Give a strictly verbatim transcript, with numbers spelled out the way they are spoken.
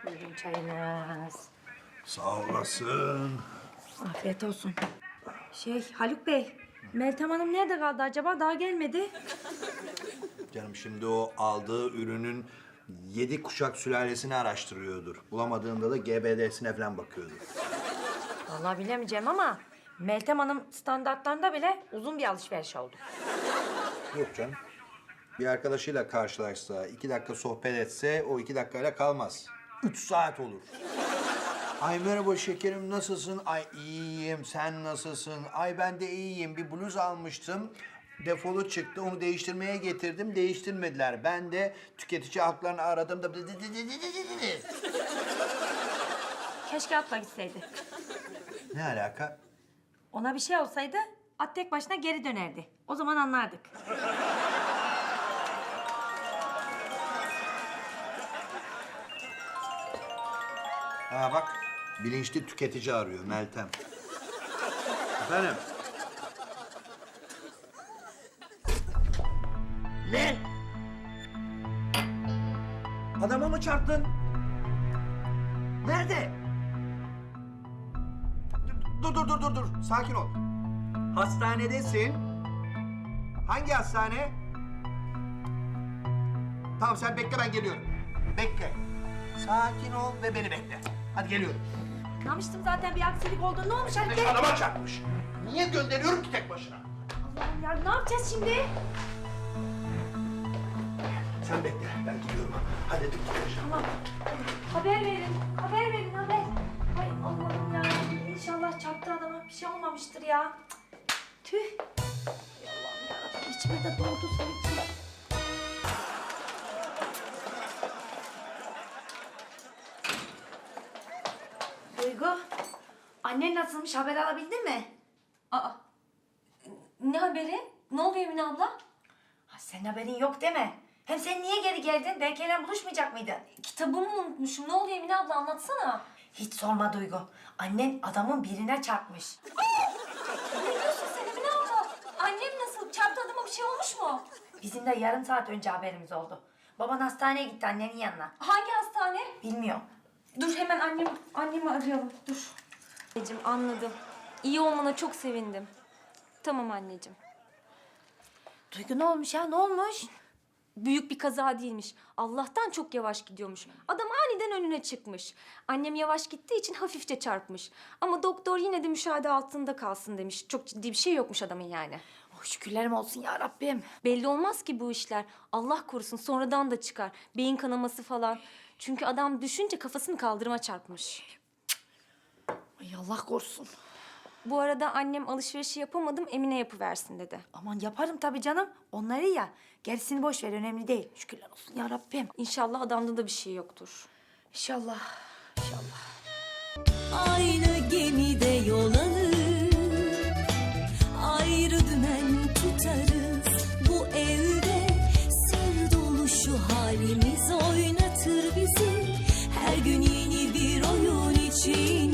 Buyurun çayınız. Sağ olasın. Afiyet olsun. Şey Haluk Bey, Meltem Hanım nerede kaldı acaba? Daha gelmedi. Canım şimdi o aldığı ürünün yedi kuşak sülalesini araştırıyordur. Bulamadığında da G B D'sine falan bakıyordur. Vallahi bilemeyeceğim ama Meltem Hanım standartlarında bile uzun bir alışveriş oldu. Yok canım. Bir arkadaşıyla karşılaşsa, iki dakika sohbet etse o iki dakikayla kalmaz. Üç saat olur. Ay merhaba şekerim, nasılsın? Ay iyiyim, sen nasılsın? Ay ben de iyiyim, bir bluz almıştım. Defolu çıktı, onu değiştirmeye getirdim, değiştirmediler. Ben de tüketici haklarını aradım da... Keşke atla gitseydi. Ne alaka? Ona bir şey olsaydı at tek başına geri dönerdi. O zaman anlardık. Ha bak, bilinçli tüketici arıyor Meltem. Efendim? Ne? Adama mı çarptın? Nerede? Dur dur dur dur dur. Sakin ol. Hastanedesin. Hangi hastane? Tamam sen bekle, ben geliyorum. Bekle. Sakin ol ve beni bekle. Hadi geliyorum. Anlamıştım zaten bir aksilik oldu. Ne olmuş Haluk Bey? Adama çarpmış. Niye gönderiyorum ki tek başına? Allah'ım ya ne yapacağız şimdi? Sen bekle, ben gidiyorum. Hadi dik Tamam. Haber verin. Haber verin haber. Ay Allah'ım ya. İnşallah çarptı adama. Bir şey olmamıştır ya. Cık, Tüh. Ay Allah'ım yarabbim. İçime de doğdu sanki. Duygu. Annen nasılmış? Haber alabildin mi? Aa, ne haberi? Ne oluyor Emine abla? Ha, senin haberin yok değil mi? Hem sen niye geri geldin? Belki ile buluşmayacak mıydın? Kitabımı unutmuşum. Ne oluyor Emine abla anlatsana. Hiç sorma Duygu. Annen adamın birine çarpmış. Ne diyorsun sen Emine abla? Annem nasıl? Çarptı adama bir şey olmuş mu? Bizim de yarım saat önce haberimiz oldu. Baban hastaneye gitti annenin yanına. Hangi hastane? Bilmiyorum. Dur hemen annem, annemi arayalım. Dur. Anneciğim anladım. İyi olmana çok sevindim. Tamam anneciğim. Duygu ne olmuş ya? Ne olmuş? Büyük bir kaza değilmiş. Allah'tan çok yavaş gidiyormuş. Adam aniden önüne çıkmış. Annem yavaş gittiği için hafifçe çarpmış. Ama doktor yine de müşahede altında kalsın demiş. Çok ciddi bir şey yokmuş adamın yani. Oh, şükürlerim olsun ya Rabbim. Belli olmaz ki bu işler. Allah korusun sonradan da çıkar. Beyin kanaması falan. Çünkü adam düşünce kafasını kaldırıma çarpmış. Ay Allah korusun. Bu arada annem alışverişi yapamadım Emine yapıversin dedi. Aman yaparım tabii canım. Onları ya. Gerisini boş ver, önemli değil. Şükürler olsun ya Rabbim. İnşallah adamda da bir şey yoktur. İnşallah. İnşallah. Aynı gemide yol alır, ayrı dümen tutarız. Bu evde sır dolu şu halimiz oynatır bizi. Her gün yeni bir oyun için